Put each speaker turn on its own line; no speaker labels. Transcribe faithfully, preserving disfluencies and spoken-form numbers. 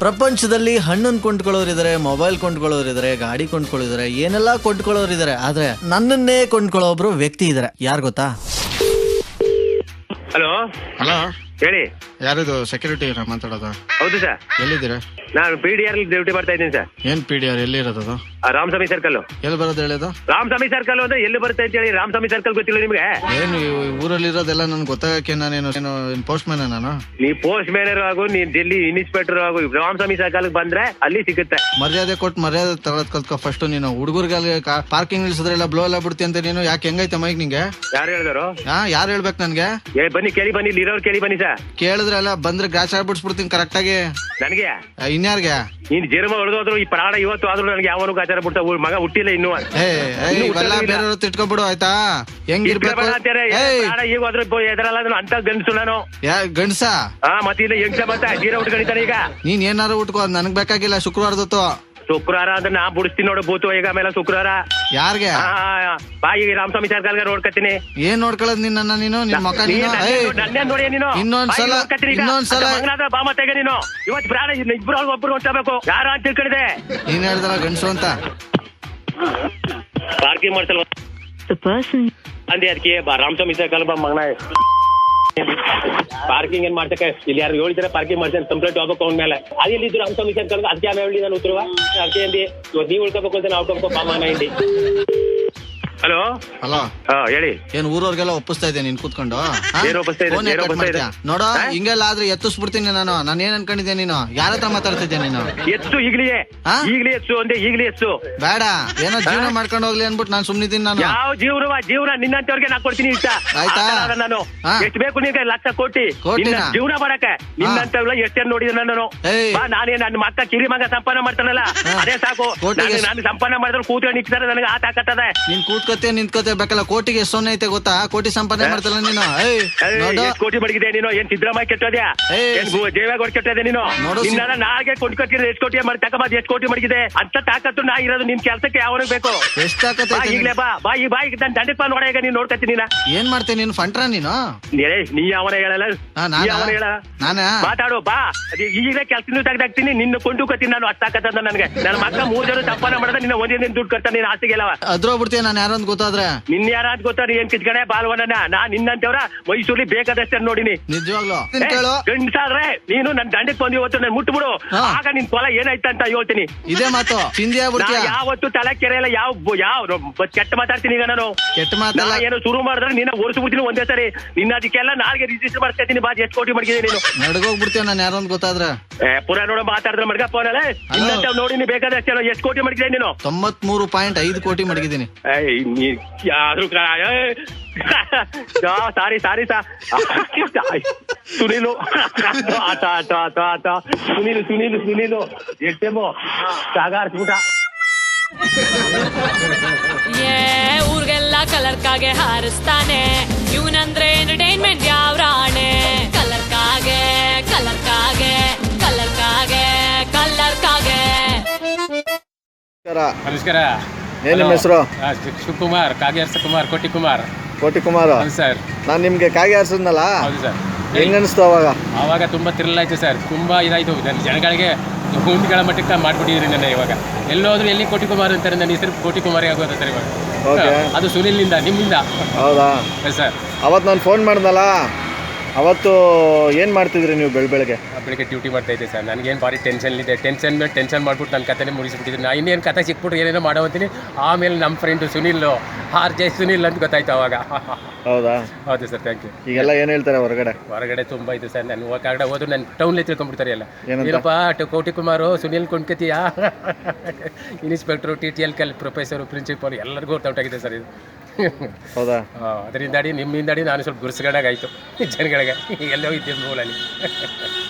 ಪ್ರಪಂಚದಲ್ಲಿ ಹಣ್ಣನ್ನು ಕೊಂಡ್ಕೊಳ್ಳೋರಿದ್ದಾರೆ, ಮೊಬೈಲ್ ಕೊಂಡ್ಕೊಳ್ಳೋರಿದ್ದಾರೆ, ಗಾಡಿ ಕೊಂಡ್ಕೊಳ್ಳೋರಿದ್ದಾರೆ, ಏನೆಲ್ಲ ಕೊಂಡ್ಕೊಳ್ಳೋರಿದ್ದಾರೆ. ಆದ್ರೆ ನನ್ನನ್ನೇ ಕೊಂಡ್ಕೊಳ್ಳೋ ಒಬ್ರು ವ್ಯಕ್ತಿ ಇದಾರೆ. ಯಾರು ಗೊತ್ತಾ?
ಹಲೋ
ಹಲೋ,
ಹೇಳಿ.
ಯಾರಿದು ಸೆಕ್ಯೂರಿಟಿ ಮಾತಾಡೋದು?
ಹೌದು ಸರ್.
ಎಲ್ಲಿದ್ದೀರಾ?
ನಾನು ಪಿ ಡಿ ಆರ್ ಡ್ಯೂಟಿ ಮಾಡ್ತಾ ಇದ್ದೀನಿ ಸರ್.
ಏನ್ ಪಿ ಡಿ ಆರ್? ಎಲ್ಲಿ ಇರೋದು?
ರಾಮಸ್ವಾಮಿ ಸರ್ಕಲ್.
ಎಲ್ಲಿ ಬರೋದು ಹೇಳಿದು?
ರಾಮಸ್ವಾಮಿ ಸರ್ಕಲ್ ಅಂದ್ರೆ ಎಲ್ಲಿ ಬರುತ್ತೆ ಅಂತ ಹೇಳಿ. ರಾಮಸ್ವಾಮಿ ಸರ್ಕಲ್ ಗೊತ್ತಿಲ್ಲ ನಿಮ್ಗೆ?
ಏನು ಊರಲ್ಲಿ ಇರೋದೆಲ್ಲ ನನ್ಗೆ ಗೊತ್ತಾಗಕ್ಕೆ ನಾನೇನು ಪೋಸ್ಟ್ ಮ್ಯಾನ್ ನಾನು?
ನೀ ಪೋಸ್ಟ್ ಮ್ಯಾನರ್ ಆಗು, ನೀನ್ ಡೆಲ್ಲಿ ಇನ್ಸ್ಪೆಕ್ಟರ್ ಆಗು, ರಾಮಸ್ವಾಮಿ ಸರ್ಕಲ್ ಬಂದ್ರೆ ಅಲ್ಲಿ ಸಿಗುತ್ತೆ.
ಮರ್ಯಾದೆ ಕೊಟ್ಟು ಮರ್ಯಾದೆ ತಗೊಳದ್ ಕಲ್ತ್ಕೊ ಫಸ್ಟ್. ನೀನು ಹುಡುಗರಿಗೆ ಪಾರ್ಕಿಂಗ್ ನಿಲ್ಸಿದ್ರೆಲ್ಲ ಬ್ಲೋ ಎಲ್ಲ ಬಿಡ್ತಿ ಅಂತ ನೀನು ಯಾಕೆ? ಹೆಂಗೈತೆ ಮೈಕ್ ನಿಂಗೆ?
ಯಾರು ಹೇಳಿದಾರು?
ಹಾ, ಯಾರು ಹೇಳ್ಬೇಕು ನನ್ಗೆ?
ಏ ಬನ್ನಿ ಕೇಳಿ, ಬನ್ನಿ ಇಲ್ಲಿ ಇರೋರು ಕೇಳಿ ಬನ್ನಿ ಸರ್.
ಕೇಳಿದ್ರೆ ಎಲ್ಲ ಬಂದ್ರೆ ಗ್ರಾಚಾರ ಬಿಡ್ಸ್ಬಿಡ್ತೀನಿ ಕರೆಕ್ಟ್ ಆಗಿ.
ನನಗೆ
ಇನ್ಯಾರ್ಗೆ?
ನೀನ್ ಜರ್ಮ ಹೊಡೆದೋದ್ರು ಈ ಪ್ರಾಣ ಇವತ್ತು ಆದ್ರೂ ನನಗೆ ಯಾವನು ಗಾಚಾರ ಬಿಡ್ತಾ ಮಗ ಹುಟ್ಟಿಲ್ಲ ಇನ್ನು.
ಇವೆಲ್ಲ ಬೇರೆಯವ್ರು ತಿಟ್ಕೊಬಿಡು ಆಯ್ತಾ? ಹೆಂಗಿರ್ಬೇಕು?
ಈಗ ಹೋದ್ರು ಎದರಲ್ಲ ಅಂತ ಗಂಡಸು ನಾನು.
ಯಾ ಗಂಡ್ಸ?
ಹಾ ಮತ್ತೆ ಇಲ್ಲ ಹೆಂಗ್ಸ ಮತ್ತೆ ಜೀರ ಉಟ್ಕೊಂಡಿದ್ದಾನೆ ಈಗ.
ನೀನ್ ಏನಾರು ಉಟ್ಕೋ, ನನಗ್ ಬೇಕಾಗಿಲ್ಲ. ಶುಕ್ರವಾರದತ್ತು
ಶುಕ್ರವಾರ ಅಂದ್ರೆ ನಾ ಬಿಡಿಸ್ತೀನಿ ನೋಡು ಭೂತು ಈಗ ಮೇಲೆ ಶುಕ್ರವಾರ.
ಯಾರ್ಗೆ?
ಬಾ ಈಗ ರಾಮಸ್ವಾಮಿ ಸರ್ಕಲ್ಗೆ ನೋಡ್ಕತ್ತೀನಿ.
ಏನ್ ನೋಡ್ಕೊಳ್ಳೋದ್ ನಿನ್ನ? ನೀನು ನಿನ್ ಮಕ್ಕ
ನನ್ನೇ ನೋಡಿ ನೀನು.
ಇನ್ನೊಂದ್ಸಲ ಇನ್ನೊಂದ್ಸಲ
ಬಾ ಮತ್ತೆ ನೀನು ಇವತ್ತು ಪ್ರಾಣ ಇಬ್ರು ಒಬ್ರು ಹೊಂಟಬೇಕು. ಯಾರ ಅಂತ ತಿಳ್ಕೊಂಡಿದೆ?
ನೀನ್ ಹೇಳ್ದಲ್ಲ ಗಂಡ್ಸು ಅಂತ.
ಪಾರ್ಕಿಂಗ್ ಮಾಡ್ಸಲ್ವ ಅಂದೆ ಅದಕ್ಕೆ ರಾಮಸ್ವಾಮಿ ಸರ್ಕಲ್ ಬಾ ಮಗನ. ಪಾರ್ಕಿಂಗ್ ಏನ್ ಮಾಡ್ತಕ್ಕೆ ಇಲ್ಲಿ ಯಾರು ಹೇಳಿದ್ರೆ ಪಾರ್ಕಿಂಗ್ ಮಾಡ್ತೇನೆ ಕಂಪ್ಲೇಂಟ್ ಹೋಗ್ಬೇಕು ಅವನ ಮೇಲೆ. ಅದಿಲ್ಲಿದ್ದು ರಾಮಸ್ವಾಮಿ ಸರ್ಕಲ್ ಅದಕ್ಕೆ ಆಮೇಲೆ ಹೇಳಿ ನಾನು ಉತ್ತರವ ಅದಕ್ಕೆ ಅಂದಿ ನೀವು ಉಳ್ಕೋಬೇಕು ಅಂತ ನಾವು ಉಳ್ಕೋಬೇಕು ಬಾ ಮಗನ ಇಲ್ಲಿ. ಹಲೋ
ಹಲೋ,
ಹಾ ಹೇಳಿ.
ಏನ್ ಊರವ್ರಿಗೆಲ್ಲ ಒಪ್ಪಿಸ್ತಾ ಇದ್ದೆ ನೀನ್ ಕೂತ್ಕೊಂಡು? ನೋಡೋ ಹಿಂಗೆಲ್ಲ ಆದ್ರೆ ಎತ್ತಿಸ್ಬಿಡ್ತೀನಿ ನಾನು. ನಾನು ಏನ್ ಅನ್ಕೊಂಡಿದ್ದೆ? ನೀನು ಯಾರ ಹತ್ರ ಮಾತಾಡ್ತಿದ್ದೆ ನೀನು?
ಎತ್ತು ಈಗ್ಲೇ ಈಗ್ಲೇ ಎತ್ತು ಅಂದೆ ಈಗ್ಲೇ ಎತ್ತು ಬೇಡ.
ಏನೋ ಜೀವನ ಮಾಡ್ಕೊಂಡು ಹೋಗ್ಲಿ ಅನ್ಬಿಟ್ಟು ನಾನು ಸುಮ್ನಿದ್ದೀನಿ. ನಾನು
ಯಾವ ಜೀವನ ಜೀವನ ನಿನ್ನಂತವ್ರಿಗೆ ನಾ ಕೊಡ್ತೀನಿ ಇಷ್ಟ ಆಯ್ತಾ? ನಾನು ಎಷ್ಟು ಬೇಕು ನಿನ್ಗೆ ಲಕ್ಷ ಕೋಟಿ ಜೀವನ ಮಾಡಕ್ಕೆ ನಿನ್ನಂತವ್ರ ಎಷ್ಟೇನ್ ನೋಡಿದ ನಾನು. ನಾನೇ ನನ್ನ ಮಕ್ಕ ಕಿರಿ ಮಗ ಸಂಪಾದನೆ ಮಾಡ್ತಾನಲ್ಲ ಅದೇ ಸಾಕು. ನಾನು ಸಂಪಾದನೆ ಮಾಡಿದ್ರೆ ಕೂತ್ಕೊಂಡು ನಿಂತಾರೆ ನನಗೆ ಆ ತಾಕತ್ತದೆ.
ನೀನ್ ಕೂತ್ಕೋತೆ ನಿಂತ್ಕೋತೆ ಬೇಕಲ್ಲ. ಕೋಟಿಗೆ ಎಷ್ಟು ಸೊನ್ನೆ ಐತೆ ಗೊತ್ತಾ? ಕೋಟಿ ಸಂಪಾದನೆ ಮಾಡ್ತಲ್ಲ ನೀನು.
ಎಷ್ಟು ಕೋಟಿ ಮಡಗಿದೆ ನೀನು? ಏನ್ ಸಿದ್ದರಾಮಯ್ಯ ಕೆಟ್ಟೋದ್ಯಾ? ದೇವೇಗೌಡ ಕೆಟ್ಟೋದೆ ನೀನು? ನಿನ್ನ ನಾಳೆ ಕೊಂಡ್ಕೊತಿರ ಎಷ್ಟು ಕೋಟಿ ಮಾಡಿ ತಗೊಂಬ. ಎಷ್ಟು ಕೋಟಿ ಮಡಗಿದೆ ಅಂತ ತಾಕತ್ತು ನಾ ಇರೋದು ನಿನ್ ಕೆಲ್ಸಕ್ಕೆ ಯಾವಾಗ ಬೇಕು?
ಎಷ್ಟು ತಾಕತ್ ಐತೆ?
ಈಗಲೇ ಬಾ ಬಾ ಈ ಬಾಯಿ ನಾನು ದಂಡಕ್ ಬಾ ನೋಡ. ಈಗ ನೀನ್ ನೋಡ್ಕತ್ತಿ ನೀನ
ಏನ್ ಮಾಡ್ತೀನಿ? ನೀನು ಫಂಟ್ರಾ ನೀನು?
ನೀ ಅವನ ಹೇಳಲ್ಲ ಅವನ ಹೇಳ ಮಾತಾಡು ಬಾ. ಈಗಲೇ ಕೆಲ್ಸ ತೆಗ್ದಾಕ್ತೀನಿ ನಿನ್ನ ಕೊಂಡು ಕತ್ತೀನಿ ನಾನು. ಅಷ್ಟ್ ತಾಕತ್ತ ನನಗೆ. ನನ್ನ ಮಕ್ಕ ಮೂರ್ ಜನ ಸಂಪಾದನೆ ಮಾಡಿದ್ರೆ ನಿನ್ನ ಒಂದೇ ದುಡ್ಡು ಕಟ್ತಾನೆ. ನೀನ್ ಆಸ್ತಿಗೆಲ್ಲವ
ಅದ್ರೋಗ್ಬಿಡ್ತೀನಿ ನಾನು. ಯಾರು ಗೊತ್ತಾದ್ರೆ
ನಿನ್ ಯಾರ ಅಂತ ಗೊತ್ತಾರ? ಏನ್ ಕಿಚ್ಕಡೆ ಬಾಲ್ವನ ನಾ ನಿನ್ನಂತವ್ರ ಮೈಸೂರಲ್ಲಿ ಬೇಕಾದಷ್ಟೇ ನೋಡಿನಿ.
ನಿಜವಾಗ್ಲು
ಗಂಡ್ಸಾದ್ರೆ ನೀನು ನನ್ ದಂಡಕ್ ಬಂದು ಇವತ್ತು ನನ್ ಮುಟ್ಬಿಡು. ಆಗ ನಿನ್ ಕೊಲ ಏನಾಯ್ತ ಅಂತ ಹೇಳ್ತೀನಿ.
ಇದೇ ಮಾತು
ಯಾವತ್ತು ತಲೆ ಕೆರೆಯಲ್ಲ. ಯಾವ ಯಾವ ಕೆಟ್ಟ ಮಾತಾಡ್ತೀನಿ ಈಗ ನಾನು. ಕೆಟ್ಟ ಮಾತಲ್ಲ. ಏನೋ ಶುರು ಮಾಡಿದ್ರೆ ನಿನ್ನ ಓಡಿಸ್ಬಿಡ್ತೀನಿ ಒಂದೇ ಸರಿ. ನಿನ್ನ ಅದಕ್ಕೆಲ್ಲ ನಾಳೆಗೆ ರಿಜಿಸ್ಟರ್ ಮಾಡ್ತೀನಿ. ಬಾ ಎಷ್ಟು ಕೋಟಿ ಮಡಗಿದೆ ನೀನು?
ನಡ್ಗೋಗ್ಬಿಡ್ತೀಯ ನಾನು ಯಾರು ಅಂತ ಗೊತ್ತಾದ್ರೆ.
ಪುರಾ ನೋಡ ಮಾತಾಡಿದ್ರೆ ಮಡ್ಗ ಫೋನಲ್ಲ ನೋಡಿ ನೀ ಬೇಕಾದಷ್ಟೇ. ಎಷ್ಟು ಕೋಟಿ ಮಡಗಿದೆ ನೀನು?
ತೊಂಬತ್ ಮೂರು ಪಾಯಿಂಟ್ ಐದು ಕೋಟಿ ಮಡಗಿದ್ದೀನಿ.
ಯಾರು ಸಾರಿ ಸಾರಿ ಸಾ ಸುನೀಲು ಆಟ ಆಟ ಆಟ ಆಟ ಸುನೀಲು ಸುನೀಲು ಸುನೀಲು ಎಷ್ಟೇಮೋ ಸಾಗಾರ್ಸ್ಬಿಟ.
ಊರ್ಗೆಲ್ಲ ಕಲರ್ ಕಾಗೆ ಹಾರಿಸ್ತಾನೆ ಇವನಂದ್ರೆ ಎಂಟರ್ಟೈನ್ಮೆಂಟ್ ಯಾವ ರಾಣೆ. ಕಲರ್ ಕಾಗೆ ಕಲರ್ ಕಾಗೆ ಕಲರ್ ಕಾಗೆ ಕಲರ್ ಕಾಗೆ.
ನಮಸ್ಕಾರ.
ಏನ್ ನಿಮ್ಮ ಹೆಸರು?
ಶಿವಕುಮಾರ್ ಕಾಗೆ ಹರ್ಸ ಕುಮಾರ್ ಕೋಟಿ ಕುಮಾರ್
ಕೋಟಿ ಕುಮಾರ್
ಸರ್.
ನಾನ್ ನಿಮ್ಗೆ ಕಾಗೆ ಹಾರಿಸಿದ್ನಲ್ಲ,
ಹೌದು ಸರ್.
ಹೆಂಗ ಅನಿಸ್ತು ಅವಾಗ?
ಅವಾಗ ತುಂಬಾ ಥ್ರಿಲ್ ಆಯ್ತು ಸರ್. ತುಂಬಾ ಇದಾಯ್ತು. ಜನಗಳಿಗೆ ಗುಂಡಿಗಳ ಮಟ್ಟಕ್ಕೆ ಮಾಡ್ಬಿಟ್ಟಿದ್ರಿ ನನ್ನ. ಇವಾಗ ಎಲ್ಲೋದ್ರು ಎಲ್ಲಿ ಕೋಟಿ ಕುಮಾರ್ ಅಂತಾರೆ. ನನ್ನ ಹೆಸರು ಕೋಟಿ ಕುಮಾರೇ ಆಗೋದ ಸರ್ ಇವಾಗ. ಅದು ಸುನಿಲ್ನಿಂದ ನಿಮ್ಮಿಂದ.
ಹೌದಾ
ಸರ್.
ಅವತ್ತು ನಾನು ಫೋನ್ ಮಾಡ್ದಲ್ಲ, ಅವತ್ತು ಏನು ಮಾಡ್ತಿದ್ರಿ ನೀವು ಬೆಳ ಬೆಳಗ್ಗೆ?
ಬೆಳಿಗ್ಗೆ ಡ್ಯೂಟಿ ಮಾಡ್ತಾ ಇದ್ದೆ ಸರ್. ನನಗೇನು ಭಾರಿ ಟೆನ್ಷನ್ ಇದೆ. ಟೆನ್ಷನ್ ಮೇಲೆ ಟೆನ್ಷನ್ ಮಾಡ್ಬಿಟ್ಟು ನನ್ನ ಕಥೆನೇ ಮುಗಿಸ್ಬಿಟ್ಟಿದ್ದೀನಿ. ನಾ ಇನ್ನೇನು ಕಥೆ ಸಿಕ್ಬಿಟ್ರೆ ಏನೇನೋ ಮಾಡೋವಂತೀನಿ. ಆಮೇಲೆ ನಮ್ಮ friend Sunil R J Sunil ಅಂತ ಗೊತ್ತಾಯ್ತು ಅವಾಗ.
ಹೌದಾ?
ಹೌದು ಸರ್. Thank you.
ಈಗೆಲ್ಲ ಏನು ಹೇಳ್ತಾರೆ ಹೊರಗಡೆ?
ಹೊರಗಡೆ ತುಂಬ ಇದು ಸರ್. ನಾನು ಹೊರಗಡೆ ಹೋದ್ರು ನನ್ನ ಟೌನ್ಲೇ ತಿಳ್ಕೊಂಡ್ಬಿಡ್ತಾರೆ ಎಲ್ಲ. ಏನಪ್ಪ ಕೋಟಿ ಕುಮಾರು ಸುನಿಲ್ ಕೊಂಡ್ಕತೀಯಾ? ಇನ್ಸ್ಪೆಕ್ಟ್ರು, ಟಿ ಟಿ ಎಲ್ ಕಲ್ ಪ್ರೊಫೆಸರು, ಪ್ರಿನ್ಸಿಪಾಲ್ ಎಲ್ಲರಿಗೂ ಹೊರಟಾಗಿದೆ ಸರ್ ಇದು.
ಹೌದಾ?
ಅದರಿಂದಾಡಿ ನಿಮ್ಮಿಂದಾಡಿ ನಾನು ಸ್ವಲ್ಪ ಗುರ್ಸ್ಗಡಾಗಾಯ್ತು ಜನಗಳಿಗೆ. ಎಲ್ಲೋ ಇದ್ದೆ ಮೂಲಲ್ಲಿ.